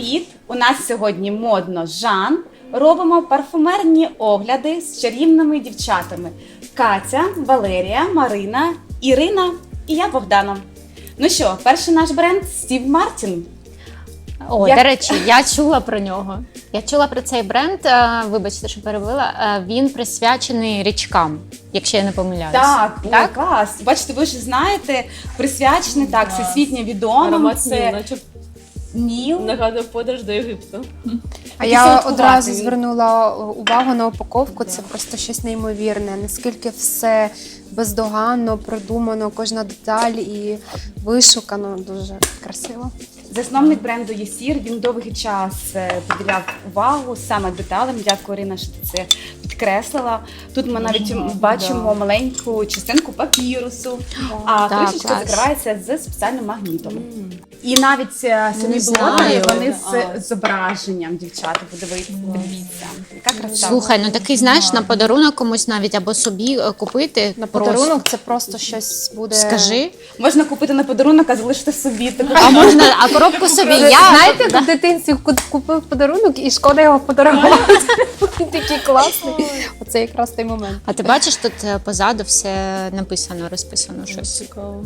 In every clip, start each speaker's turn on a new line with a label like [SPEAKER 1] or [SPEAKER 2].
[SPEAKER 1] Привіт! У нас сьогодні модно Жан. Робимо парфумерні огляди з чарівними дівчатами. Катя, Валерія, Марина, Ірина і я, Богдана. Ну що, перший наш бренд Стів Мартін.
[SPEAKER 2] О, до речі, я чула про нього. Я чула про цей бренд, вибачте, що перебила. Він присвячений річкам, якщо я не помиляюсь.
[SPEAKER 1] Так, так? Клас. Бачите, ви ж знаєте, присвячений, так, всесвітньо відомим.
[SPEAKER 3] Аромат
[SPEAKER 1] Це
[SPEAKER 3] Ніл, наче
[SPEAKER 1] Ніл.
[SPEAKER 3] нагадує подорож до Єгипту.
[SPEAKER 4] А я
[SPEAKER 1] солодкуватий
[SPEAKER 4] одразу
[SPEAKER 1] він.
[SPEAKER 4] звернула увагу на упаковку, це просто щось неймовірне. Наскільки все бездоганно, продумано, кожна деталь і вишукано, дуже красиво.
[SPEAKER 1] Засновник бренду Єсір, він довгий час приділяв увагу саме деталям. Дякую, Ірина, що ти це підкреслила. Тут ми навіть бачимо маленьку частинку папірусу, а
[SPEAKER 2] Так,
[SPEAKER 1] кришечка
[SPEAKER 2] клас.
[SPEAKER 1] закривається з спеціальним магнітом. І навіть самі
[SPEAKER 2] знаю.
[SPEAKER 1] блоки, вони з зображенням, дівчата, подивіться, яка краса.
[SPEAKER 2] Слухай, ну такий, знаєш, на подарунок комусь навіть або собі купити.
[SPEAKER 4] На
[SPEAKER 2] просто.
[SPEAKER 4] подарунок це просто щось буде.
[SPEAKER 2] Скажи.
[SPEAKER 1] Можна купити на подарунок, а залишити собі.
[SPEAKER 2] А можна, а коробку собі я.
[SPEAKER 4] Знаєте, як в дитинстві купив подарунок і шкода його подарувати. Він такий класний. Оце якраз той момент.
[SPEAKER 2] А ти бачиш, тут позаду все написано, розписано щось.
[SPEAKER 3] Цікаво.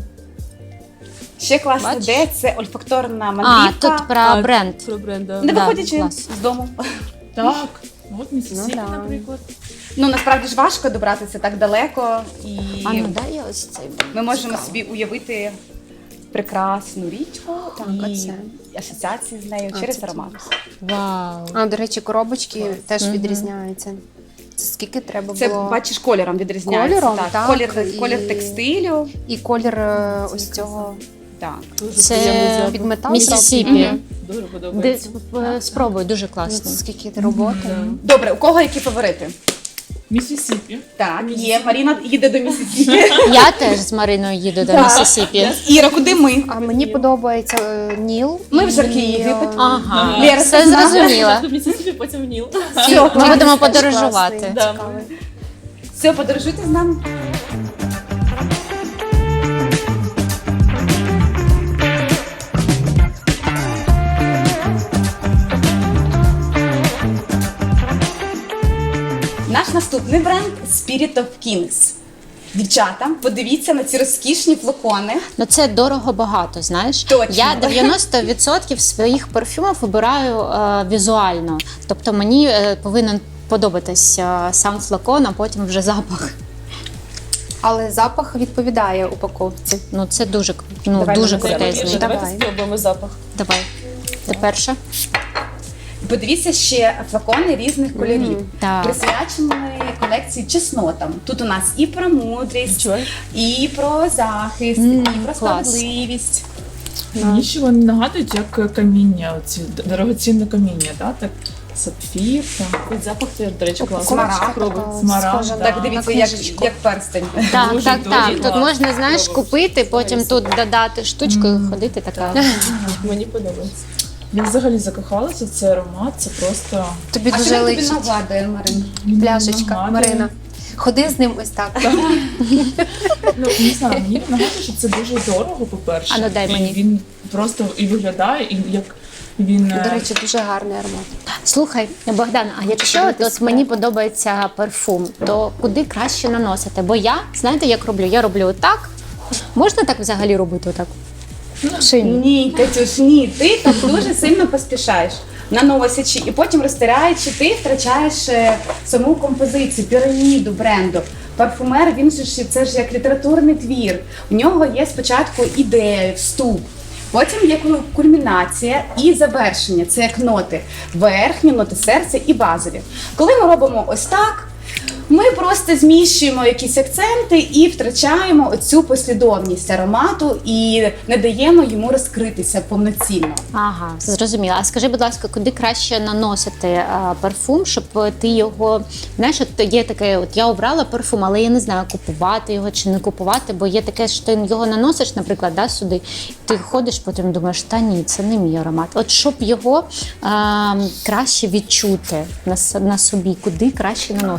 [SPEAKER 1] Ще класна
[SPEAKER 2] Бачиш?
[SPEAKER 1] ідея – це ольфакторна
[SPEAKER 2] А,
[SPEAKER 1] мандрівка,
[SPEAKER 2] тут про бренд.
[SPEAKER 3] Про бренд, да.
[SPEAKER 1] не
[SPEAKER 2] Да,
[SPEAKER 1] виходячи
[SPEAKER 2] клас.
[SPEAKER 1] з дому.
[SPEAKER 3] Так, от Міссісіпі,
[SPEAKER 4] Ну, да.
[SPEAKER 3] наприклад.
[SPEAKER 1] Ну, насправді ж важко добратися так далеко, і
[SPEAKER 2] А ну дай я ось цей бренд.
[SPEAKER 1] ми можемо собі уявити прекрасну річку
[SPEAKER 4] Так,
[SPEAKER 1] і
[SPEAKER 4] оце.
[SPEAKER 1] асоціації з нею через аромат.
[SPEAKER 2] Вау.
[SPEAKER 4] А, до речі, коробочки теж відрізняються. Це скільки треба
[SPEAKER 1] Це,
[SPEAKER 4] було?
[SPEAKER 1] бачиш, кольором відрізняється.
[SPEAKER 4] Кольором, так,
[SPEAKER 1] Колір
[SPEAKER 4] і-
[SPEAKER 1] текстилю.
[SPEAKER 4] І колір ось цього
[SPEAKER 1] Так.
[SPEAKER 3] Дуже
[SPEAKER 2] Це
[SPEAKER 3] приємний запах.
[SPEAKER 4] під метал.
[SPEAKER 2] Міссісіпі.
[SPEAKER 4] Мгм.
[SPEAKER 3] Дуже подобається.
[SPEAKER 2] Спробуй, дуже
[SPEAKER 4] Ну,
[SPEAKER 2] класно.
[SPEAKER 4] скільки роботи.
[SPEAKER 1] Добре, у кого які фаворити?
[SPEAKER 3] Міссісіпі.
[SPEAKER 1] Так, є. Маріна їде до Міссісіпі.
[SPEAKER 2] Я теж з Мариною їду до
[SPEAKER 1] Так.
[SPEAKER 2] Міссісіпі.
[SPEAKER 1] Іра, куди ми?
[SPEAKER 4] А мені подобається Ніл.
[SPEAKER 1] Ми в жаркий
[SPEAKER 4] І,
[SPEAKER 1] Єгипет.
[SPEAKER 2] Ага,
[SPEAKER 1] Лєра,
[SPEAKER 2] все
[SPEAKER 1] ти знаєш?
[SPEAKER 2] зрозуміла.
[SPEAKER 3] Спочатку Міссісіпі, потім Ніл.
[SPEAKER 2] Ми будемо
[SPEAKER 4] теж
[SPEAKER 2] подорожувати.
[SPEAKER 4] класний,
[SPEAKER 3] Да.
[SPEAKER 4] цікавий.
[SPEAKER 1] Все, подорожуйте з нами. Наш наступний бренд Spirit of Kings. Дівчата, подивіться на ці розкішні флакони.
[SPEAKER 2] Ну це дорого багато, знаєш.
[SPEAKER 1] Точно.
[SPEAKER 2] Я 90% своїх парфюмів вибираю візуально. Тобто мені повинен подобатись сам флакон, а потім вже запах.
[SPEAKER 4] Але запах відповідає упаковці.
[SPEAKER 2] Ну це дуже,
[SPEAKER 4] Давай
[SPEAKER 2] дуже
[SPEAKER 4] на себе
[SPEAKER 2] крутезний.
[SPEAKER 4] більше.
[SPEAKER 3] Давайте
[SPEAKER 4] Давай.
[SPEAKER 3] спробуємо запах.
[SPEAKER 2] Давай. Ти перша?
[SPEAKER 1] Подивіться ще флакони різних кольорів,
[SPEAKER 2] Так.
[SPEAKER 1] присвячені колекції чеснотам. Тут у нас і про мудрість,
[SPEAKER 3] Чого?
[SPEAKER 1] і про захист, і про
[SPEAKER 2] клас.
[SPEAKER 1] справедливість.
[SPEAKER 5] Мені ще вони нагадують, як каміння, оці дорогоцінне каміння, да? Так, сапфір, там.
[SPEAKER 3] Ось запах теж, до речі, класний.
[SPEAKER 1] Смарагд.
[SPEAKER 3] Спробуй.
[SPEAKER 5] Смарагд,
[SPEAKER 4] Схожа
[SPEAKER 5] да.
[SPEAKER 1] Так, дивіться,
[SPEAKER 4] на
[SPEAKER 1] як,
[SPEAKER 4] книжечку.
[SPEAKER 1] як перстень.
[SPEAKER 2] Так,
[SPEAKER 5] Дуже,
[SPEAKER 2] так,
[SPEAKER 5] дуже
[SPEAKER 2] так. Тут
[SPEAKER 5] класно.
[SPEAKER 2] можна, знаєш, купити, потім тут додати штучку і ходити така.
[SPEAKER 3] Мені подобається.
[SPEAKER 5] Я взагалі закохалася в цей аромат, це просто
[SPEAKER 4] Тобі
[SPEAKER 1] А що
[SPEAKER 4] дуже
[SPEAKER 1] він тобі
[SPEAKER 4] личить.
[SPEAKER 1] нагадує, Марин?
[SPEAKER 4] Пляшечка,
[SPEAKER 5] нагадує.
[SPEAKER 4] Марина. Ходи з ним ось так.
[SPEAKER 5] Ну, не знаю, мені нагадує, що це дуже дорого, по-перше.
[SPEAKER 2] А ну, дай мені.
[SPEAKER 5] І він просто і виглядає, і як він...
[SPEAKER 4] До речі, дуже гарний аромат.
[SPEAKER 2] Слухай, Богдан, а якщо от мені подобається парфум, то куди краще наносити? Бо я, знаєте, як роблю? Я роблю отак. Можна так взагалі робити отак? Чи ні?
[SPEAKER 1] Ні, Катюш, ні. Ти так дуже сильно поспішаєш. Наносячи і потім розтираючи, ти втрачаєш саму композицію, піраміду бренду. Парфумер, він же ж це ж як літературний твір. У нього є спочатку ідея, вступ. Потім є кульмінація і завершення. Це як ноти. Верхні, ноти серця і базові. Коли ми робимо ось так, ми просто зміщуємо якісь акценти і втрачаємо оцю послідовність аромату і не даємо йому розкритися повноцінно.
[SPEAKER 2] Ага, зрозуміла. А скажи, будь ласка, куди краще наносити парфум, щоб ти його, знаєш, от є таке, от я обрала парфум, але я не знаю, купувати його чи не купувати, бо є таке, що ти його наносиш, наприклад, да, сюди, ти ходиш, потім думаєш, та ні, це не мій аромат. От щоб його краще відчути на собі, куди краще наносити?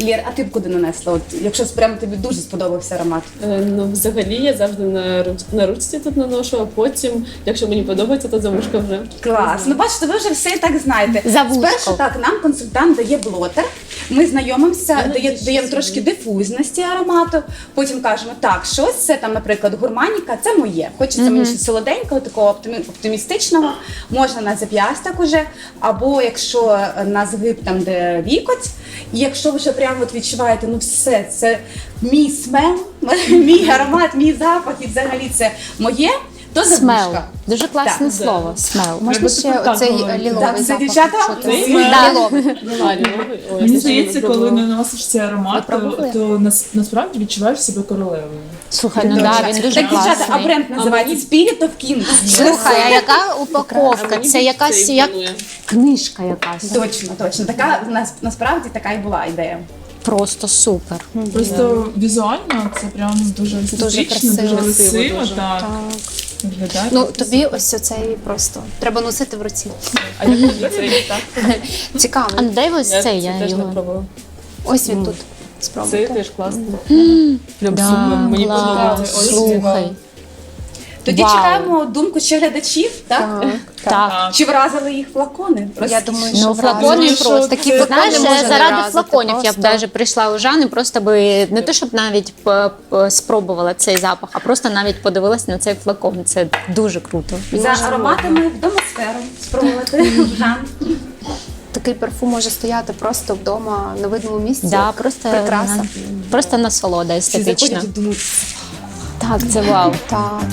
[SPEAKER 1] Лєр, а ти б куди нанесла? От, якщо прямо тобі дуже сподобався аромат.
[SPEAKER 3] Ну, взагалі, я завжди на ручці тут наношу, а потім, якщо мені подобається, то за вушка вже.
[SPEAKER 1] Клас. Ну бачите, ви вже все і так знаєте.
[SPEAKER 2] За вушко.
[SPEAKER 1] Спершу так, нам консультант дає блотер, ми знайомимося, даємо трошки дифузності аромату, потім кажемо, так, щось це там, наприклад, гурманіка, це моє. Хочеться мені щось солоденького, такого оптимістичного, можна на зап'ясток уже, або якщо на згиб там, де вікоть, і якщо ви вже прямо от відчуваєте, ну все, це мій смел, мій аромат, мій запах, і взагалі це моє, то за
[SPEAKER 2] Смел.
[SPEAKER 1] вушка.
[SPEAKER 2] Дуже класне
[SPEAKER 1] Так.
[SPEAKER 2] слово. Смел.
[SPEAKER 4] Можна ще
[SPEAKER 5] так
[SPEAKER 4] оцей
[SPEAKER 5] говорити.
[SPEAKER 4] ліловий
[SPEAKER 1] Так, це
[SPEAKER 4] запах
[SPEAKER 1] дівчата,
[SPEAKER 4] відчути.
[SPEAKER 1] це
[SPEAKER 4] Ліловий.
[SPEAKER 5] Мені здається, коли наносиш цей аромат,
[SPEAKER 4] Ви пробували?
[SPEAKER 5] то насправді відчуваєш себе королевою.
[SPEAKER 2] Слухай, ну
[SPEAKER 1] Точно.
[SPEAKER 2] да, він дуже
[SPEAKER 1] Так, дівчата, а
[SPEAKER 2] класний.
[SPEAKER 1] бренд називається Spirit of Kings.
[SPEAKER 2] Слухай, а яка упаковка? Це якась як книжка якась.
[SPEAKER 1] Точно, точно. Така насправді така і була ідея.
[SPEAKER 2] Просто супер.
[SPEAKER 5] Просто візуально це прям дуже естетично,
[SPEAKER 4] красиво.
[SPEAKER 5] дуже красиво,
[SPEAKER 3] Дуже.
[SPEAKER 5] так. Виглядає
[SPEAKER 4] Ну,
[SPEAKER 5] просто
[SPEAKER 4] тобі
[SPEAKER 5] супер.
[SPEAKER 4] ось оцей просто треба носити в руці.
[SPEAKER 3] А як тобі цей, так?
[SPEAKER 4] Цікаво.
[SPEAKER 2] А ну дай ось цей, я
[SPEAKER 3] теж не
[SPEAKER 2] його.
[SPEAKER 3] пробувала.
[SPEAKER 4] Ось він тут.
[SPEAKER 3] Цей
[SPEAKER 4] Спробуйте.
[SPEAKER 3] теж класний. Прям
[SPEAKER 2] Да,
[SPEAKER 3] супер, мені
[SPEAKER 2] клас.
[SPEAKER 3] подобається.
[SPEAKER 5] Ось
[SPEAKER 2] Слухай.
[SPEAKER 1] Тоді
[SPEAKER 2] Вау.
[SPEAKER 1] чекаємо думку ще глядачів, так?
[SPEAKER 2] Так.
[SPEAKER 1] Чи вразили їх флакони?
[SPEAKER 4] Я думаю, що
[SPEAKER 2] Ну, флакони
[SPEAKER 4] вразили.
[SPEAKER 2] просто
[SPEAKER 4] такі
[SPEAKER 2] Ти
[SPEAKER 4] флакони
[SPEAKER 2] знаєш,
[SPEAKER 4] можна не
[SPEAKER 2] заради
[SPEAKER 4] вразити,
[SPEAKER 2] флаконів я б
[SPEAKER 4] просто.
[SPEAKER 2] навіть прийшла у Жани, просто би не те, щоб навіть спробувала цей запах, а просто навіть подивилась на цей флакон. Це дуже круто.
[SPEAKER 1] За ароматами в домосферу спробувати. Жан.
[SPEAKER 4] Такий парфум може стояти просто вдома на видному місці.
[SPEAKER 2] Да,
[SPEAKER 4] як
[SPEAKER 2] просто,
[SPEAKER 4] прикраса.
[SPEAKER 2] просто насолода
[SPEAKER 1] Всі
[SPEAKER 2] естетична.
[SPEAKER 1] заходять і думають,
[SPEAKER 2] Так, це вау.
[SPEAKER 4] Так.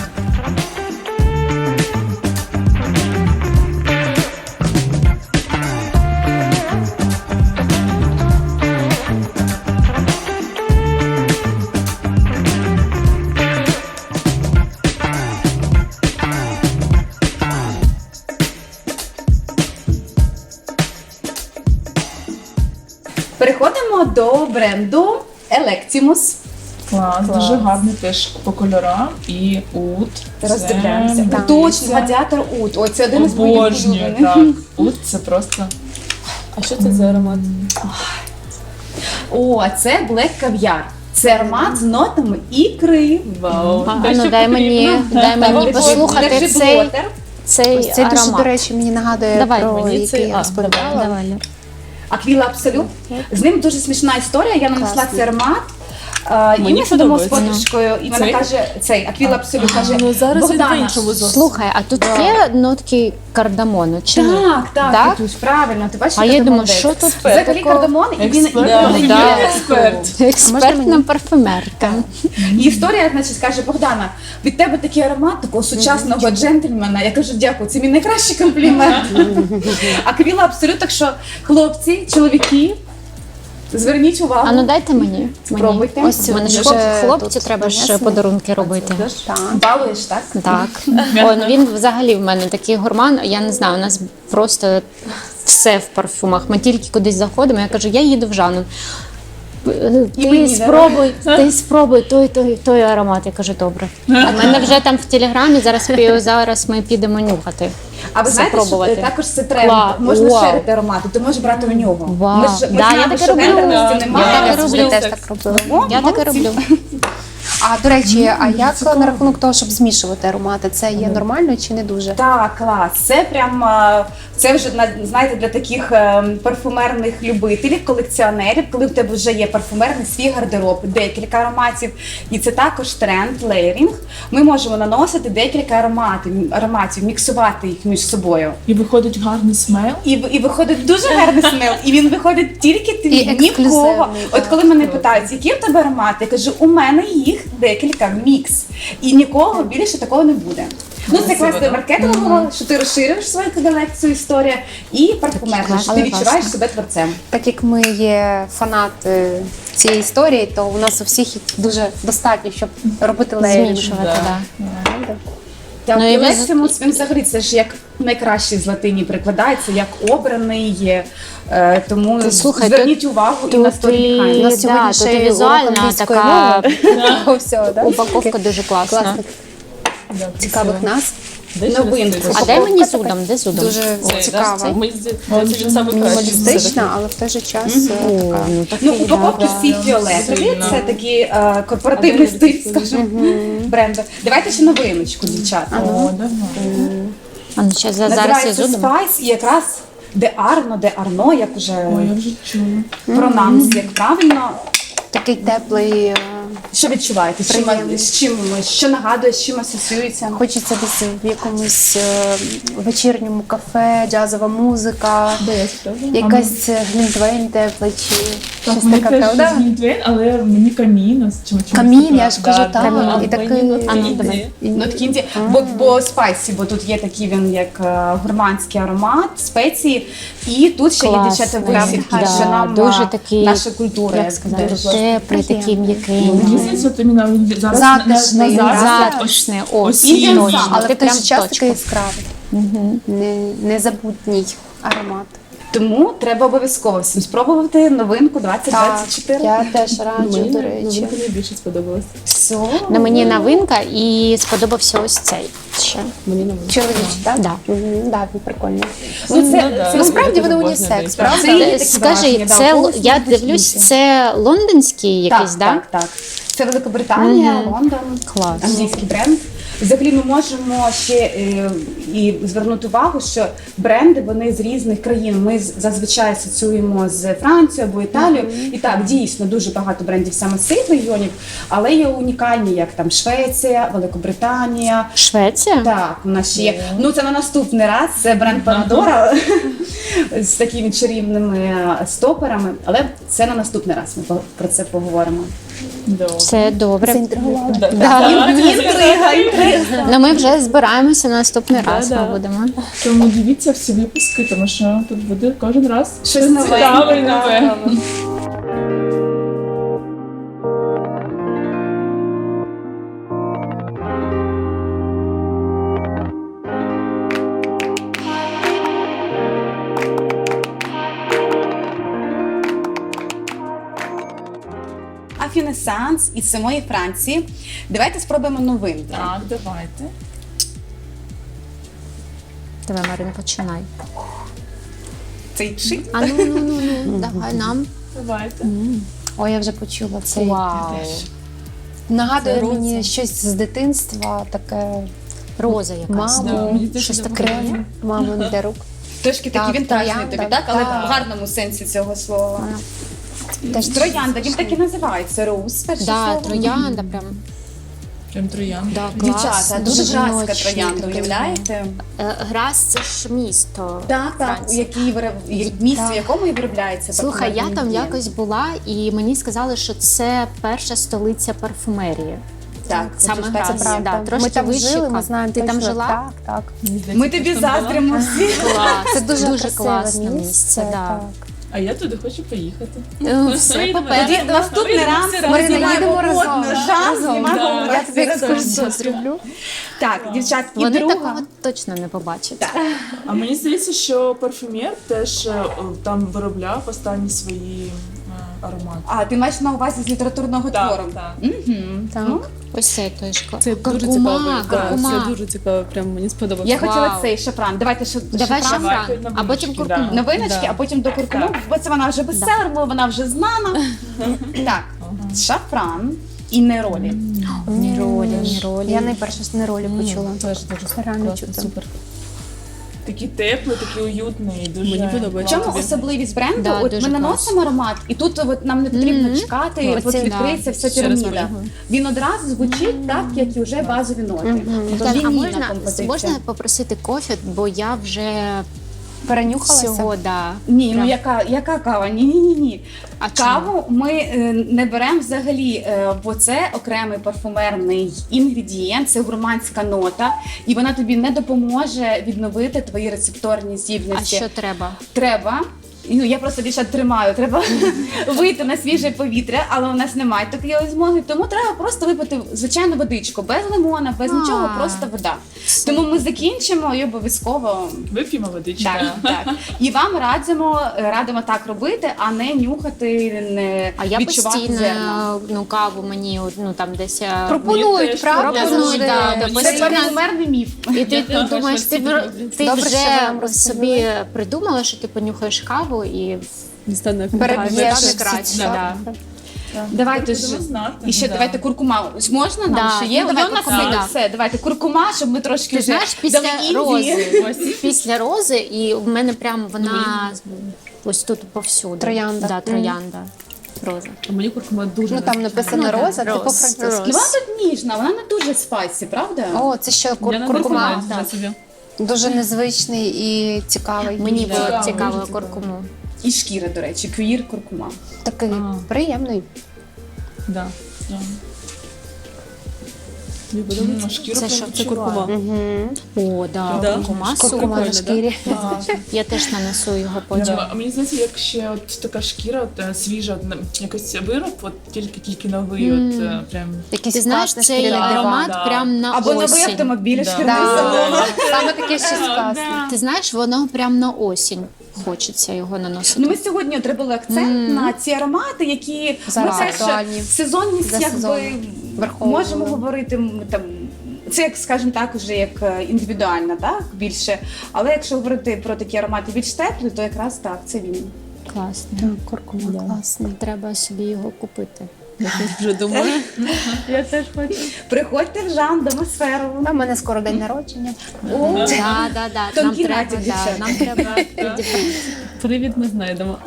[SPEAKER 1] Переходимо до бренду Electimus.
[SPEAKER 5] Клас, дуже гарний теж по кольорам і ут.
[SPEAKER 1] Роздивляємося.
[SPEAKER 5] Це,
[SPEAKER 1] Так. Точно, гладіатор Ут. Ой, це один із моїх
[SPEAKER 5] обожнюю,
[SPEAKER 1] улюблених.
[SPEAKER 5] так. Ут це просто
[SPEAKER 3] А що це за аромат?
[SPEAKER 1] О, це Black Caviar. Це аромат з нотами ікри.
[SPEAKER 3] Вау.
[SPEAKER 2] А
[SPEAKER 3] Те,
[SPEAKER 2] ну
[SPEAKER 3] що
[SPEAKER 2] дай мені,
[SPEAKER 3] потрібно.
[SPEAKER 2] дай мені
[SPEAKER 1] Держи-
[SPEAKER 2] послухати
[SPEAKER 1] держи
[SPEAKER 2] цей,
[SPEAKER 1] блотер.
[SPEAKER 2] цей
[SPEAKER 4] Ось цей дуже, до
[SPEAKER 2] аромат.
[SPEAKER 4] речі, мені нагадує
[SPEAKER 2] Давай,
[SPEAKER 4] про
[SPEAKER 3] мені
[SPEAKER 4] який
[SPEAKER 3] цей-
[SPEAKER 4] я
[SPEAKER 3] а,
[SPEAKER 4] розповідала.
[SPEAKER 2] Давай, Лю.
[SPEAKER 1] Аквіла Абсолют. З ним дуже смішна історія. Я нанесла
[SPEAKER 4] Класний.
[SPEAKER 1] цей аромат. І
[SPEAKER 3] Мені
[SPEAKER 1] ми сидимо з
[SPEAKER 3] подобається.
[SPEAKER 1] подружкою, і вона
[SPEAKER 3] Цей?
[SPEAKER 1] каже, цей Аквіла Абсолют каже,
[SPEAKER 3] Ну зараз він
[SPEAKER 1] Богдана.
[SPEAKER 3] по-іншому зовсім.
[SPEAKER 2] Слухай, а тут є нотки кардамону чи ні?
[SPEAKER 1] Так, так,
[SPEAKER 2] Так?
[SPEAKER 1] Катюш, правильно, ти бачиш,
[SPEAKER 2] А
[SPEAKER 1] яка
[SPEAKER 2] я
[SPEAKER 1] ти
[SPEAKER 2] думаю,
[SPEAKER 1] молодець.
[SPEAKER 2] що тут
[SPEAKER 1] Взагалі кардамон, і він
[SPEAKER 5] Експерт.
[SPEAKER 1] і
[SPEAKER 2] Да.
[SPEAKER 5] експерт.
[SPEAKER 2] Експертна парфюмерка.
[SPEAKER 1] І історія, значить, каже, Богдана, від тебе такий аромат такого сучасного джентльмена. Я кажу, дякую, це мій найкращий комплімент. Аквіла Абсолют, так що хлопці, чоловіки, зверніть увагу.
[SPEAKER 2] А ну дайте мені.
[SPEAKER 1] Спробуйте.
[SPEAKER 4] Ось
[SPEAKER 2] У мене ж
[SPEAKER 4] вже
[SPEAKER 2] хлопці
[SPEAKER 4] тут
[SPEAKER 2] треба ж
[SPEAKER 4] нанесено.
[SPEAKER 2] подарунки робити.
[SPEAKER 4] Так.
[SPEAKER 1] Балуєш, так?
[SPEAKER 2] Так. Ой, ну він взагалі в мене такий гурман. Я не знаю, у нас просто все в парфумах. Ми тільки кудись заходимо. Я кажу, я їду в Жанну.
[SPEAKER 1] мені,
[SPEAKER 2] Ти спробуй той аромат. Я кажу, добре. У мене вже там в телеграмі зараз ми підемо нюхати.
[SPEAKER 1] А ви знаєте,
[SPEAKER 2] Спробувати.
[SPEAKER 1] що також це тренд.
[SPEAKER 2] Клас.
[SPEAKER 1] Можна
[SPEAKER 2] Вау.
[SPEAKER 1] шерити аромати, ти можеш брати у нього.
[SPEAKER 2] Вау.
[SPEAKER 1] Ми ж
[SPEAKER 2] Да,
[SPEAKER 1] знаємо,
[SPEAKER 2] я таке
[SPEAKER 1] що
[SPEAKER 2] роблю.
[SPEAKER 1] гендерності
[SPEAKER 2] Я
[SPEAKER 1] немає.
[SPEAKER 2] таке
[SPEAKER 4] Я
[SPEAKER 2] роблю.
[SPEAKER 4] собі теж так робила.
[SPEAKER 1] О,
[SPEAKER 2] Я таке
[SPEAKER 1] молодці.
[SPEAKER 2] роблю.
[SPEAKER 4] А до речі, а як на рахунок того, щоб змішувати аромати, це є нормально чи не дуже?
[SPEAKER 1] Так, клас. Це прям це вже знаєте для таких парфумерних любителів, колекціонерів, коли в тебе вже є парфумерний свій гардероб, декілька ароматів, і це також тренд лейерінг. Ми можемо наносити декілька ароматів, міксувати їх між собою.
[SPEAKER 5] І виходить гарний смел.
[SPEAKER 1] І виходить дуже гарний смел, і він виходить тільки твій,
[SPEAKER 4] І ексклюзивний,
[SPEAKER 1] нікого. От
[SPEAKER 4] так.
[SPEAKER 1] коли мене питають, які в тебе аромати, я кажу, у мене їх декілька, мікс. І нікого більше такого не буде. Ну, це класне маркетингово, що ти розширюєш свою колекцію, історія, і парфумерно, що ти
[SPEAKER 2] класно.
[SPEAKER 1] відчуваєш себе творцем.
[SPEAKER 4] Так як ми є фанати цієї історії, то у нас у всіх їх дуже достатньо, щоб робити лейерінг.
[SPEAKER 2] Змішувати, да.
[SPEAKER 1] Так,
[SPEAKER 2] Ну, і
[SPEAKER 1] і
[SPEAKER 2] ви
[SPEAKER 1] Лексимус, він взагалі це ж як найкращий з латині прикладається, як обраний, тому
[SPEAKER 2] Ти слухай,
[SPEAKER 1] зверніть увагу і на
[SPEAKER 2] Тут
[SPEAKER 1] сторі
[SPEAKER 2] і,
[SPEAKER 1] Behind.
[SPEAKER 4] У нас сьогодні
[SPEAKER 2] да,
[SPEAKER 4] ще
[SPEAKER 2] тут і
[SPEAKER 4] й урок
[SPEAKER 2] візуальна
[SPEAKER 4] англійської
[SPEAKER 2] така
[SPEAKER 4] мови. Всього, да?
[SPEAKER 2] упаковка дуже класна.
[SPEAKER 4] Класних цікавих нас.
[SPEAKER 1] новинку.
[SPEAKER 2] А дай мені
[SPEAKER 4] Упаковка
[SPEAKER 2] зудом, де зудом?
[SPEAKER 4] Дуже цікава.
[SPEAKER 3] Мені здається, він саме кращий.
[SPEAKER 4] Мінімалістична, але в той же час така.
[SPEAKER 1] Ну, упаковки всі фіолетові,
[SPEAKER 5] Сильно.
[SPEAKER 1] це такий корпоративний стиль, скажімо, бренду. Давайте ще новиночку, дівчата.
[SPEAKER 5] О, давай.
[SPEAKER 2] А ну зараз я
[SPEAKER 1] Називається
[SPEAKER 2] зудом.
[SPEAKER 1] Spice і якраз де Арно, як уже
[SPEAKER 5] Ой, я вже чула.
[SPEAKER 1] пронанс, як правильно.
[SPEAKER 4] Такий теплий.
[SPEAKER 1] Що відчуваєте?
[SPEAKER 4] Приємний.
[SPEAKER 1] Що нагадує, з чим асоціюється?
[SPEAKER 4] Хочеться десь в якомусь вечірньому кафе, джазова музика, якась глінтвейн теплий чи щось
[SPEAKER 5] Мені
[SPEAKER 4] таке,
[SPEAKER 5] теж
[SPEAKER 4] правда?
[SPEAKER 5] Глінтвейн, але мені каміно.
[SPEAKER 4] Камін, я ж кажу, так.
[SPEAKER 3] А
[SPEAKER 4] І такий.
[SPEAKER 3] мені
[SPEAKER 2] А ну, давай.
[SPEAKER 1] Нот кінзі, бо спайсі, бо тут є такий він як гурманський аромат, спеції, і тут ще є дівчата
[SPEAKER 2] Класний,
[SPEAKER 1] висівки,
[SPEAKER 2] да,
[SPEAKER 1] що нам
[SPEAKER 2] дуже такий,
[SPEAKER 1] наша культура,
[SPEAKER 2] як сказати,
[SPEAKER 1] дуже
[SPEAKER 2] теплий, такий
[SPEAKER 5] Мені
[SPEAKER 2] м'який.
[SPEAKER 5] здається, от іменно він зараз
[SPEAKER 4] Затишний,
[SPEAKER 5] на зараз
[SPEAKER 2] Затишний, ось,
[SPEAKER 5] осінній.
[SPEAKER 2] точно,
[SPEAKER 4] Але
[SPEAKER 2] ти
[SPEAKER 4] в той
[SPEAKER 2] прям
[SPEAKER 4] же час
[SPEAKER 2] точка.
[SPEAKER 4] такий яскравий. Незабутній аромат.
[SPEAKER 1] Тому треба обов'язково всім спробувати новинку 2024.
[SPEAKER 4] Я теж раджу,
[SPEAKER 3] Мені
[SPEAKER 4] до речі.
[SPEAKER 3] найбільше сподобалось.
[SPEAKER 1] Все.
[SPEAKER 2] Ну, мені новинка і сподобався ось цей ще.
[SPEAKER 3] Мені новинка.
[SPEAKER 4] Чоловічий, так?
[SPEAKER 2] Да.
[SPEAKER 4] Так, він прикольний.
[SPEAKER 1] це
[SPEAKER 4] Насправді вони
[SPEAKER 3] дуже
[SPEAKER 4] унісекс,
[SPEAKER 3] можна
[SPEAKER 4] правда?
[SPEAKER 1] Це є такі
[SPEAKER 2] Скажи,
[SPEAKER 1] враження, да,
[SPEAKER 2] це
[SPEAKER 1] голосні,
[SPEAKER 2] я
[SPEAKER 1] гучніші.
[SPEAKER 2] дивлюсь, це лондонський якийсь,
[SPEAKER 1] Так,
[SPEAKER 2] да?
[SPEAKER 1] так. Це Великобританія, Лондон,
[SPEAKER 2] Клас.
[SPEAKER 1] англійський бренд. Взагалі ми можемо ще і звернути увагу, що бренди вони з різних країн. Ми зазвичай асоціюємо з Францією або Італією. І так, дійсно, дуже багато брендів саме з цих регіонів, але є унікальні, як там Швеція, Великобританія.
[SPEAKER 2] Швеція?
[SPEAKER 1] Так, у нас ще є. Ну це на наступний раз. Це бренд Пандора з такими чарівними стоперами. Але це на наступний раз. Ми про це поговоримо.
[SPEAKER 2] Це добре.
[SPEAKER 4] Заінтригувала.
[SPEAKER 1] Інтрига.
[SPEAKER 2] Ну ми вже збираємося на наступний раз. Ми
[SPEAKER 3] Да.
[SPEAKER 2] будемо.
[SPEAKER 5] Тому дивіться всі випуски, тому що тут буде кожен раз
[SPEAKER 1] Щось нове.
[SPEAKER 5] цікаве і нове.
[SPEAKER 1] Афінесанс із самої Франції. Давайте спробуємо новинку.
[SPEAKER 5] Так, давайте.
[SPEAKER 2] Давай, Марина, починай.
[SPEAKER 1] Цей чик.
[SPEAKER 2] А ну, давай нам.
[SPEAKER 5] Давайте.
[SPEAKER 4] Ой, я вже почула цей.
[SPEAKER 2] Вау.
[SPEAKER 4] Нагадує
[SPEAKER 3] Це
[SPEAKER 4] мені
[SPEAKER 3] роза.
[SPEAKER 4] щось з дитинства, таке
[SPEAKER 2] Роза якась.
[SPEAKER 5] Да,
[SPEAKER 4] маму,
[SPEAKER 5] мені теж
[SPEAKER 4] щось
[SPEAKER 5] дуже
[SPEAKER 4] таке
[SPEAKER 5] подобається.
[SPEAKER 4] мамин для рук.
[SPEAKER 1] Трошки
[SPEAKER 4] Так,
[SPEAKER 1] такий вінтажний
[SPEAKER 4] троянда,
[SPEAKER 1] тобі, так? Але
[SPEAKER 4] так.
[SPEAKER 1] в гарному сенсі цього слова.
[SPEAKER 4] Теж
[SPEAKER 1] Троянда, він так і називається. Роуз, перше
[SPEAKER 2] Да,
[SPEAKER 1] слово.
[SPEAKER 2] троянда прям.
[SPEAKER 5] Прям троян.
[SPEAKER 2] Да, клас.
[SPEAKER 1] Дівчата, дуже
[SPEAKER 4] Дуже
[SPEAKER 1] графська
[SPEAKER 4] жіночний
[SPEAKER 1] троянда,
[SPEAKER 4] такий.
[SPEAKER 1] уявляєте?
[SPEAKER 2] Грас це ж місто.
[SPEAKER 1] Так, так, у
[SPEAKER 2] Франції.
[SPEAKER 1] місці, в
[SPEAKER 4] Так.
[SPEAKER 1] якому і виробляється
[SPEAKER 2] Слухай, я
[SPEAKER 1] парфумерний
[SPEAKER 2] там
[SPEAKER 1] інгредієнт.
[SPEAKER 2] якось була, і мені сказали, що це перша столиця парфумерії.
[SPEAKER 1] Так,
[SPEAKER 2] Саме
[SPEAKER 1] це
[SPEAKER 2] Грас.
[SPEAKER 1] правда.
[SPEAKER 4] Правда.
[SPEAKER 2] Да, трошки
[SPEAKER 4] Ми там
[SPEAKER 2] вище
[SPEAKER 4] жили, ми
[SPEAKER 2] Кан.
[SPEAKER 4] знаємо
[SPEAKER 2] Ти там
[SPEAKER 4] точно.
[SPEAKER 2] жила?
[SPEAKER 4] Так, так.
[SPEAKER 5] Мені здається,
[SPEAKER 1] Ми тобі
[SPEAKER 5] ти там була.
[SPEAKER 1] заздримо всі.
[SPEAKER 2] Клас.
[SPEAKER 4] Це дуже
[SPEAKER 2] дуже
[SPEAKER 4] красиве
[SPEAKER 2] класне місце. Да.
[SPEAKER 4] так.
[SPEAKER 5] А я туди хочу поїхати.
[SPEAKER 2] Все
[SPEAKER 5] Поїдемо.
[SPEAKER 2] попереду.
[SPEAKER 1] Тоді наступний раз ми
[SPEAKER 4] Марина,
[SPEAKER 1] знімаємо
[SPEAKER 4] їдемо разом.
[SPEAKER 1] модно, жан, знімаємо
[SPEAKER 5] Да.
[SPEAKER 1] у
[SPEAKER 4] Я
[SPEAKER 1] вас
[SPEAKER 4] тобі
[SPEAKER 1] разом.
[SPEAKER 4] екскурсію зроблю.
[SPEAKER 1] Так, дівчатки,
[SPEAKER 2] Вони
[SPEAKER 1] друга.
[SPEAKER 2] такого точно не побачать.
[SPEAKER 5] А мені здається, що парфюмер теж там виробляв останні свої аромати.
[SPEAKER 1] А, ти маєш на увазі з літературного твору?
[SPEAKER 5] так.
[SPEAKER 1] Мгм.
[SPEAKER 4] Так.
[SPEAKER 1] Ну,
[SPEAKER 2] Ось цей точка.
[SPEAKER 3] Це дуже
[SPEAKER 2] Куркума,
[SPEAKER 3] цікаво. Так,
[SPEAKER 2] куркума.
[SPEAKER 3] це дуже цікаво, прям мені сподобалося.
[SPEAKER 1] я хотіла
[SPEAKER 2] Вау.
[SPEAKER 1] цей шафран. Давайте
[SPEAKER 2] Давай
[SPEAKER 1] шафран.
[SPEAKER 2] шафран,
[SPEAKER 5] Давайте
[SPEAKER 2] а потім
[SPEAKER 5] новиночки,
[SPEAKER 2] куркуму.
[SPEAKER 5] да.
[SPEAKER 1] Новиночки,
[SPEAKER 5] Да.
[SPEAKER 1] а потім до куркуму,
[SPEAKER 5] Так.
[SPEAKER 1] бо це вона вже бестселер, бо вона вже знана. Так, шафран і неролі.
[SPEAKER 2] Неролі.
[SPEAKER 4] Я найперше з неролі почула.
[SPEAKER 3] Теж дуже
[SPEAKER 4] Реально
[SPEAKER 3] класно,
[SPEAKER 4] чути.
[SPEAKER 3] супер.
[SPEAKER 5] Такий теплий, такий уютний, дуже
[SPEAKER 3] Мені
[SPEAKER 1] В
[SPEAKER 3] подобається.
[SPEAKER 1] чому
[SPEAKER 3] Тобі?
[SPEAKER 1] особливість бренду?
[SPEAKER 2] Да,
[SPEAKER 1] От
[SPEAKER 2] дуже
[SPEAKER 1] ми наносимо аромат, і тут от нам не потрібно чекати, і от
[SPEAKER 2] Оце,
[SPEAKER 1] відкриється вся
[SPEAKER 3] Ще раз
[SPEAKER 1] піраміда.
[SPEAKER 3] спробуй.
[SPEAKER 1] Він одразу звучить так, як і вже базові ноти. Тобто
[SPEAKER 2] Так, а
[SPEAKER 1] лінійна композиція.
[SPEAKER 2] можна попросити кофе, бо я вже
[SPEAKER 4] Перенюхалася?
[SPEAKER 2] всього, да.
[SPEAKER 1] Ні, ну
[SPEAKER 2] Прям.
[SPEAKER 1] яка кава? Ні.
[SPEAKER 2] А чому?
[SPEAKER 1] Каву ми не беремо взагалі, бо це окремий парфумерний інгредієнт, це гурманська нота, і вона тобі не допоможе відновити твої рецепторні
[SPEAKER 2] А
[SPEAKER 1] здібності.
[SPEAKER 2] що треба?
[SPEAKER 1] Треба Ну, я просто дівчат тримаю, треба вийти на свіже повітря, але у нас немає такої змоги, тому треба просто випити звичайну водичку, без лимона, без нічого, просто вода. Тому ми закінчимо і обов'язково
[SPEAKER 5] Вип'ємо водички.
[SPEAKER 1] так, так. І вам радимо так робити, а не нюхати, не
[SPEAKER 2] А я
[SPEAKER 1] відчувати
[SPEAKER 2] постійно
[SPEAKER 1] зерна.
[SPEAKER 2] каву мені там десь
[SPEAKER 4] Пропонують,
[SPEAKER 3] теж
[SPEAKER 4] правда?
[SPEAKER 2] пропонують, да,
[SPEAKER 4] Люди?
[SPEAKER 2] да,
[SPEAKER 1] Це
[SPEAKER 2] постійно.
[SPEAKER 1] парфумерний міф.
[SPEAKER 2] І ти
[SPEAKER 3] Я теж
[SPEAKER 2] думаєш,
[SPEAKER 3] настільки роблю.
[SPEAKER 2] ти
[SPEAKER 4] Добре, що ви нам
[SPEAKER 2] вже собі
[SPEAKER 4] розповіли.
[SPEAKER 2] придумала, що ти понюхаєш каву і
[SPEAKER 3] Стане
[SPEAKER 4] Переб'єш
[SPEAKER 2] стане
[SPEAKER 4] всі
[SPEAKER 2] краще.
[SPEAKER 4] ці,
[SPEAKER 2] Да.
[SPEAKER 1] Давайте ж
[SPEAKER 5] Будемо знати.
[SPEAKER 1] і ще
[SPEAKER 5] Да.
[SPEAKER 1] давайте куркума. Можна нам
[SPEAKER 2] Да,
[SPEAKER 1] ще є?
[SPEAKER 2] ну, давай
[SPEAKER 1] Є у нас
[SPEAKER 2] куркума,
[SPEAKER 1] є
[SPEAKER 2] да.
[SPEAKER 1] все. Давайте куркума, щоб ми трошки
[SPEAKER 2] Ти
[SPEAKER 1] вже
[SPEAKER 2] знаєш,
[SPEAKER 1] дали
[SPEAKER 2] після
[SPEAKER 1] Індії.
[SPEAKER 2] рози, після рози, і в мене прям вона ось тут повсюди.
[SPEAKER 4] Троянда.
[SPEAKER 2] Да, троянда. Роза.
[SPEAKER 3] А мені куркума дуже
[SPEAKER 4] Ну там написано
[SPEAKER 2] Ну, да,
[SPEAKER 4] роза, це
[SPEAKER 2] роз,
[SPEAKER 4] по-французьки.
[SPEAKER 2] роз.
[SPEAKER 1] Ну, вона тут ніжна, вона не дуже спайсі, правда?
[SPEAKER 4] О, це ще
[SPEAKER 3] Я не
[SPEAKER 4] куркума.
[SPEAKER 3] знаю, вже собі.
[SPEAKER 4] Дуже незвичний і цікавий.
[SPEAKER 2] Мені
[SPEAKER 5] Да.
[SPEAKER 2] було
[SPEAKER 5] Цікаво,
[SPEAKER 2] цікаво
[SPEAKER 5] дуже цікаво.
[SPEAKER 2] куркуму.
[SPEAKER 1] І шкіра, до речі, квір куркума.
[SPEAKER 4] Такий
[SPEAKER 3] А.
[SPEAKER 4] приємний.
[SPEAKER 3] Да. Мені подобається.
[SPEAKER 5] Шкіру
[SPEAKER 2] Це що?
[SPEAKER 3] Це куркума.
[SPEAKER 4] Угу.
[SPEAKER 2] О, да,
[SPEAKER 3] Да.
[SPEAKER 2] куркума
[SPEAKER 4] Куркума на
[SPEAKER 2] супер.
[SPEAKER 4] шкірі.
[SPEAKER 2] Я теж нанесу його потім.
[SPEAKER 5] А мені здається, як ще от така шкіра, от, свіжа, от, якось вироб, от тільки новий, от прям.
[SPEAKER 4] Якийсь
[SPEAKER 2] Ти знаєш,
[SPEAKER 4] класний
[SPEAKER 2] цей
[SPEAKER 4] шкіряний диван.
[SPEAKER 2] аромат
[SPEAKER 5] Да.
[SPEAKER 2] прям на
[SPEAKER 1] Або новий
[SPEAKER 2] осінь.
[SPEAKER 1] автомобіль,
[SPEAKER 5] Да.
[SPEAKER 1] шкірний
[SPEAKER 4] Да.
[SPEAKER 1] салон.
[SPEAKER 4] Саме таке щось класне.
[SPEAKER 2] Ти знаєш, воно прям на осінь хочеться його наносити.
[SPEAKER 1] Ну, ми сьогодні отримали акцент на ці аромати, які
[SPEAKER 4] Зараз
[SPEAKER 1] ми теж
[SPEAKER 4] актуальні.
[SPEAKER 1] сезонність,
[SPEAKER 4] За
[SPEAKER 1] якби
[SPEAKER 4] сезоном. Враховували.
[SPEAKER 1] можемо говорити там. Це, як скажімо так, уже як індивідуально, так більше. Але якщо говорити про такі аромати більш теплі, то якраз так, це він.
[SPEAKER 2] Класно.
[SPEAKER 4] Куркума класний.
[SPEAKER 2] Треба собі його купити.
[SPEAKER 3] Я теж вже думаю. Я теж хочу.
[SPEAKER 1] Приходьте в Жан, Домосферу.
[SPEAKER 4] У мене скоро день народження.
[SPEAKER 1] О,
[SPEAKER 2] Да. Нам
[SPEAKER 1] Тонкий
[SPEAKER 2] треба,
[SPEAKER 1] натяк, дівчата.
[SPEAKER 2] нам треба.
[SPEAKER 3] Привід ми знайдемо.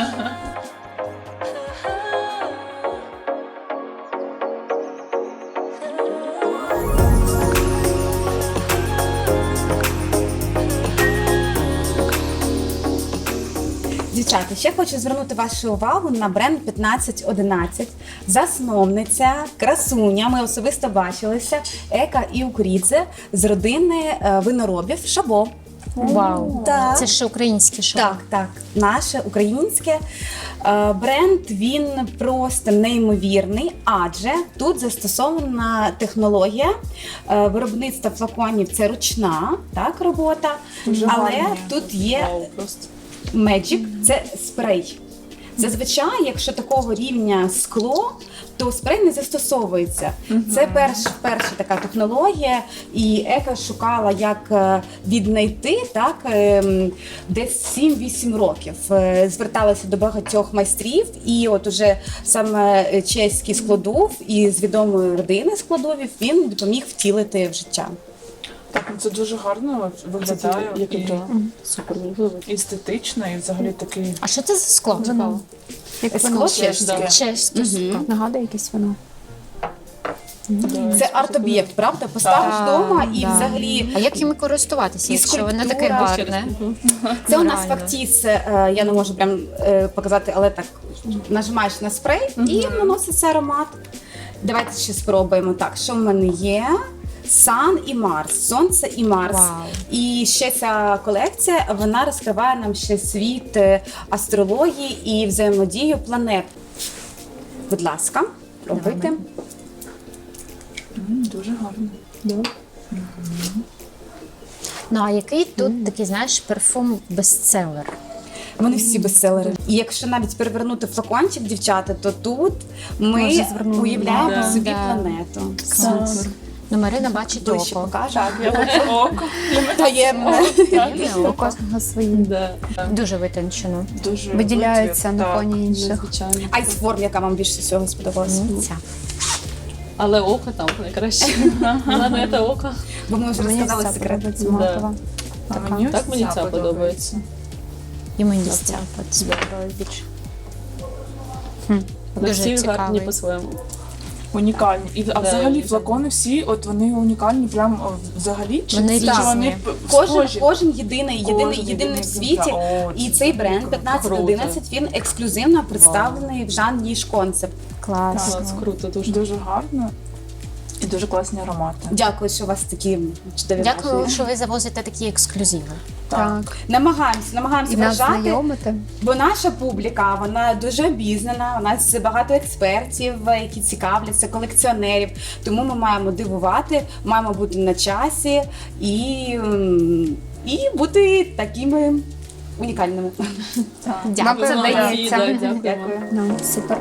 [SPEAKER 1] Дівчата, ще хочу звернути вашу увагу на бренд 1511. Засновниця, красуня, ми особисто бачилися, Ека Іукурідзе з родини виноробів Шабо.
[SPEAKER 2] Вау.
[SPEAKER 1] Так.
[SPEAKER 2] Це ж українське шоу.
[SPEAKER 1] Так, наше українське. Бренд, він просто неймовірний, адже тут застосована технологія виробництва флаконів, це ручна робота, але тут є
[SPEAKER 3] Вау, просто.
[SPEAKER 1] Magic – це спрей. Зазвичай, якщо такого рівня скло, то спрей не застосовується. Це перша така технологія, і Ека шукала, як віднайти десь 7-8 років. Зверталася до багатьох майстрів, і от уже саме чеський складов із відомої родини складовів він допоміг втілити в життя.
[SPEAKER 5] Так, ну це дуже гарно виглядає
[SPEAKER 3] Як
[SPEAKER 5] і
[SPEAKER 3] і супер мені подобається.
[SPEAKER 5] естетично, і взагалі такий.
[SPEAKER 2] А що це за скло?
[SPEAKER 4] Вино.
[SPEAKER 1] Скло чеське.
[SPEAKER 3] Да.
[SPEAKER 2] Чеське скло.
[SPEAKER 4] Нагадує якесь вино.
[SPEAKER 1] Це арт-об'єкт, правда? Поставиш
[SPEAKER 2] Так,
[SPEAKER 1] вдома і
[SPEAKER 2] да.
[SPEAKER 1] взагалі.
[SPEAKER 2] А як їм користуватися,
[SPEAKER 1] І
[SPEAKER 2] якщо воно таке
[SPEAKER 1] скульптура.
[SPEAKER 2] гарне?
[SPEAKER 1] Це у нас
[SPEAKER 2] Реально.
[SPEAKER 1] фактіс, я не можу прям показати, але так нажимаєш на спрей і наноситься аромат. Давайте ще спробуємо. Так, що в мене є? Сан і Марс, Сонце і Марс.
[SPEAKER 2] Вау.
[SPEAKER 1] І ще ця колекція, вона розкриває нам ще світ астрології і взаємодію планет. Будь ласка, пробуйте.
[SPEAKER 5] Дуже гарно.
[SPEAKER 2] Ну а який тут такий, знаєш, парфум бестселер?
[SPEAKER 1] Вони всі бестселери. І якщо навіть перевернути флакончик, дівчата, то тут ми
[SPEAKER 4] Може, звернули
[SPEAKER 1] уявляємо
[SPEAKER 3] увагу.
[SPEAKER 1] собі
[SPEAKER 2] Да.
[SPEAKER 1] планету.
[SPEAKER 2] Клас. Ну, Марина бачить
[SPEAKER 1] Ближче
[SPEAKER 2] око.
[SPEAKER 1] покажу.
[SPEAKER 3] Я хочу око.
[SPEAKER 1] Таємне.
[SPEAKER 2] Таємне
[SPEAKER 4] У
[SPEAKER 2] око.
[SPEAKER 4] кожного свої.
[SPEAKER 3] Да.
[SPEAKER 2] Дуже витончено.
[SPEAKER 5] Дуже
[SPEAKER 4] Виділяються
[SPEAKER 5] витвір,
[SPEAKER 4] на
[SPEAKER 5] так.
[SPEAKER 4] фоні інших.
[SPEAKER 3] Звичайно.
[SPEAKER 1] Айсформ, яка вам більше всього сподобалася?
[SPEAKER 2] Ця.
[SPEAKER 3] Але око там найкраще. Головне це око.
[SPEAKER 1] Бо ми вже
[SPEAKER 4] Мені
[SPEAKER 1] розказали
[SPEAKER 4] ця
[SPEAKER 1] секрет.
[SPEAKER 4] подобається матова.
[SPEAKER 5] А
[SPEAKER 4] Така.
[SPEAKER 5] мені
[SPEAKER 3] Так мені
[SPEAKER 5] ось
[SPEAKER 3] ця подобається.
[SPEAKER 2] І мені ця сподобалась більше.
[SPEAKER 3] Але
[SPEAKER 2] Дуже
[SPEAKER 3] всі
[SPEAKER 2] цікавий.
[SPEAKER 3] гарні по-своєму.
[SPEAKER 5] Унікальні. А взагалі
[SPEAKER 3] да.
[SPEAKER 5] флакони всі, от вони унікальні прям взагалі? Чи
[SPEAKER 2] Вони
[SPEAKER 5] чи
[SPEAKER 2] різні.
[SPEAKER 5] вони
[SPEAKER 1] Кожен,
[SPEAKER 5] схожі?
[SPEAKER 1] кожен єдиний
[SPEAKER 5] єдиний
[SPEAKER 1] в світі.
[SPEAKER 5] О,
[SPEAKER 1] І
[SPEAKER 5] це
[SPEAKER 1] цей бренд
[SPEAKER 5] круто.
[SPEAKER 1] 1511, він ексклюзивно представлений в Жан Ніж Концепт.
[SPEAKER 2] Клас.
[SPEAKER 3] Клас, круто, дуже.
[SPEAKER 5] Дуже гарно. І дуже класні аромати.
[SPEAKER 1] Дякую, що у вас такі чудові
[SPEAKER 2] Дякую,
[SPEAKER 1] враження.
[SPEAKER 2] що ви завозите такі ексклюзиви.
[SPEAKER 4] Так.
[SPEAKER 1] Намагаємося
[SPEAKER 4] І нас
[SPEAKER 1] вражати.
[SPEAKER 4] знайомити.
[SPEAKER 1] Бо наша публіка, вона дуже обізнана, у нас багато експертів, які цікавляться, колекціонерів. Тому ми маємо дивувати, маємо бути на часі і бути такими унікальними.
[SPEAKER 4] Нам
[SPEAKER 3] Молодці,
[SPEAKER 4] передається.
[SPEAKER 3] да, дякуємо.
[SPEAKER 1] Дякую.
[SPEAKER 4] Ну, супер.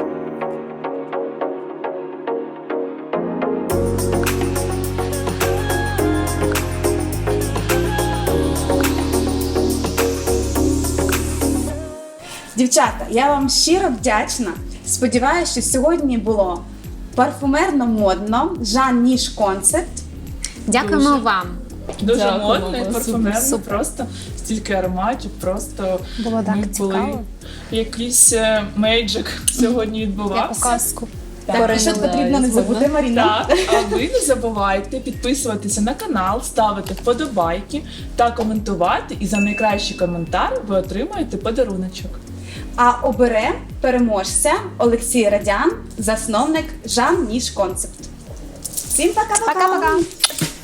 [SPEAKER 1] Дівчата, я вам щиро вдячна. Сподіваюся, що сьогодні було парфумерно-модно, Жан Ніж концепт.
[SPEAKER 2] Дякуємо
[SPEAKER 3] Дуже.
[SPEAKER 2] вам.
[SPEAKER 5] Дуже
[SPEAKER 3] Дякую,
[SPEAKER 5] модно і
[SPEAKER 3] супер,
[SPEAKER 5] парфумерно,
[SPEAKER 2] супер.
[SPEAKER 5] просто стільки ароматів, просто
[SPEAKER 4] Було так
[SPEAKER 5] ми
[SPEAKER 4] цікаво.
[SPEAKER 5] були. Якийсь мейджик сьогодні
[SPEAKER 4] Як у
[SPEAKER 5] відбувався.
[SPEAKER 4] казку.
[SPEAKER 1] Так, і що потрібно не забути, Маріна.
[SPEAKER 5] Так, а ви не забувайте підписуватися на канал, ставити вподобайки та коментувати. І за найкращий коментар ви отримаєте подаруночок.
[SPEAKER 1] А обере переможця Олексій Радян, засновник Жан Ніж концепт. Всім пока-пока!
[SPEAKER 4] Пока-пока.